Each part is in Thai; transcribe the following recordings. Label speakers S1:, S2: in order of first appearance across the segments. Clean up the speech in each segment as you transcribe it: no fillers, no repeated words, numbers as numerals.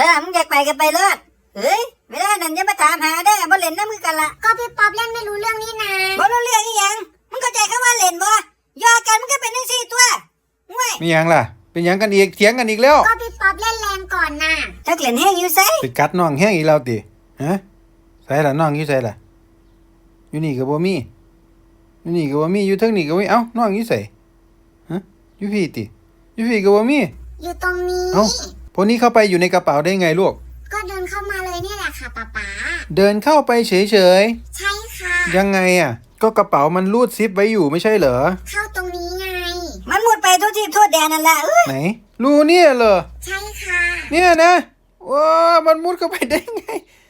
S1: มึงอยากไปกันไปเลยเฮ้ยเวลานั้นอย่ามาถามหาได้บ่เล่นน้ำมือกันละ
S2: ก็พี่ป๊อปเล่นไม่รู้เรื่องนี่นะ
S1: บ่รู้เรื่องอีหยังมึงเข้าใจคำว่าเล่นบ่ยอกันมึงก็เป็นจังซี่ตัวง่วย
S3: มีหยังล่ะเป็นหยังกันอีกเถียงกันอีกแล้ว
S2: ก็พี่ป๊อปเล่นแรงก่อนน่ะ
S1: จักเล่นแห้งอยู่ไส
S3: ไปกัดน้องแห้งอีกแล้วติฮะใส่ล่ะน้องอยู่ใส่ล่ะอยู่นี่ก็บ่มีอยู่นี่ก็บ่มีอยู่เทิงนี่ก็บ่มีเอ้าน้องอยู่ไสฮะอยู่พี่ติอยู่พี่ก็บ่มี
S2: อยู่ตรงนี้
S3: เอ้าพวกนี้เข้าไปอยู่ในกระเป๋าได้ไงลูก
S2: ก็เดินเข้ามาเลยนี่แหละค่ะป๊า
S3: เดินเข้าไปเฉย
S2: ใช่ค่ะ
S3: ยังไงอ่ะก็กระเป๋ามันรูดซิปไว้อยู่ไม่ใช่เหรอ
S2: เข้าตรงนี้ไง
S1: มันหมดไปทั่วที่ทั่วแดนนั่นแหละ
S3: ไหนรูเนี่ยเหรอ
S2: ใช่ค่ะ
S3: เนี่ยนะว้ามันมุดเข้าไปได้ไง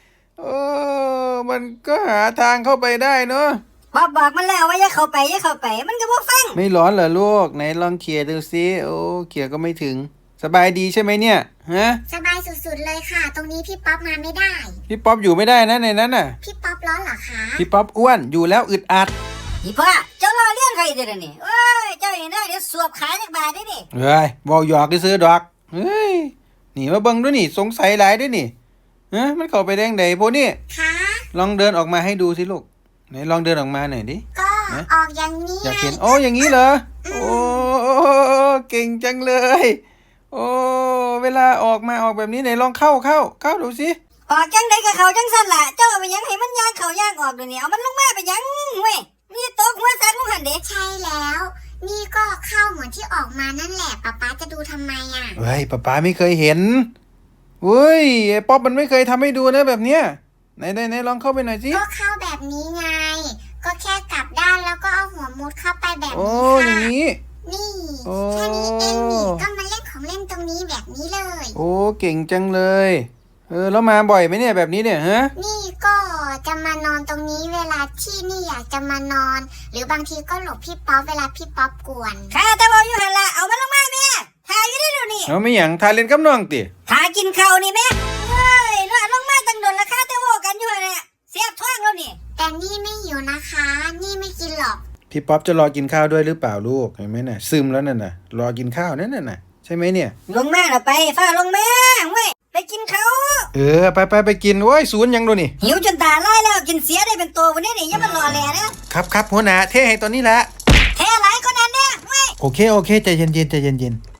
S3: มันก็หาทางเข้าไปได้เนาะ
S1: บอกมันแล้วว่าอย่าเข้าไปมันก็บ่ฟัง
S3: ไม่ร้อนเหรอลูกไหนลองเขี่ยดูซิโอ้เขี่ยก็ไม่ถึงสบายดีใช่ไหมเนี่ยฮะ
S2: สบายสุดๆเลยค่ะตรงนี้พี่ป๊อปมาไม่ได้
S3: พี่ป๊อปอยู่ไม่ได้นะในนั้นน่ะ
S2: พี่ป๊อปร้อนเหรอคะ
S3: พี่ป๊อปอ้วนอยู่แล้วอึดอัด
S1: อีพ่อเจ้ารอเลี้ยงใครเดี๋ยวนี้เอ้ยเจ้าอย่างนั้นเดี๋ยวสวบขายจักบาทได้ดิ
S3: เฮ้ยบอกหยอกได้ซื้อดอกเฮ้ยนี่มาเบิ่งด้วยนี่สงสัยหลายด้วยนี่มันเข้าไปได้ยังไงพวกนี้
S2: คะ
S3: ลองเดินออกมาให้ดูสิลูกไหนลองเดินออกมาหน่อยดิ
S2: ก็ออกอย่างนี้
S3: อยากเห็นโอ้อย่างนี้เหรอโอ้เก่งจังเลยโอ้เวลาออกมาออกแบบนี้ไหนลองเข้าดูสิ
S1: ออกจังไดกับเขาจังสั่นล่ะเจ้าไปยังให้มันย่างเขาย่างออกเดี๋ยวนี้เอามันลงมาไปยังเว้ยนี่ตกหัวซักลงหันเด้
S2: ใช่แล้วนี่ก็เข้าเหมือนที่ออกมานั่นแหละป๊าจะดูทำไมอ่ะ
S3: เฮ้ยป๊าไม่เคยเห็นเว้ยไอ้ป๊อปมันไม่เคยทำให้ดูนะแบบเนี้ยไหนลองเข้าไปหน่อยสิ
S2: ก็เข้าแบบนี้ไงก็แค่กลับด้านแล้วก็เอาหัวมุดเข้าไปแบบนี้
S3: ค่ะอย่างนี้
S2: นี่แค่นี้เองนี่ก็มาเล่นของเล่นตรงนี้แบบนี้เลย
S3: โอ้เก่งจังเลยแล้วมาบ่อยไหมเนี่ยแบบนี้เนี่ยฮะ
S2: นี่ก็จะมานอนตรงนี้เวลาที่นี่อยากจะมานอนหรือบางทีก็หลบพี่ป๊อปเวลาพี่ป๊อปกวน
S1: ข้าแต่บอกอยู่หันละเอามันลงมาแม่ทาอยู่ได้ดูนี่
S3: เอาไม่หยังทาเล่นกับน้องติ
S1: ทากินข้าวนี่แม่เฮ้ยลงมาตั้งโดนละข้าแต่บอกกันอยู่เนี่ยเสียบท้องแล้วนี่
S2: แต่นี่ไม่หิวนะคะนี่ไม่กินหรอก
S3: พี่ป๊อปจะรอกินข้าวด้วยหรือเปล่าลูกเห็นไหมน่ะซึมแล้วนั่นน่ะรอกินข้าวนั่นน่ะใช่ไหมเนี่ย
S1: ลงมาไปฟ้าลงมาเว้ยไปกินข้าว
S3: ไปกินโอ้ยศูนย์ยังดูนี่
S1: หิวจนตาลายแล้วกินเสียได้เป็นตัววันนี้นี่อย่ามันรอแลนะครับ
S3: หัวหน้าเท่ให้ตอนนี้แหละ
S1: เท่หลายคนนั้นเนี่ยเว้ย
S3: โอเคใจเย็น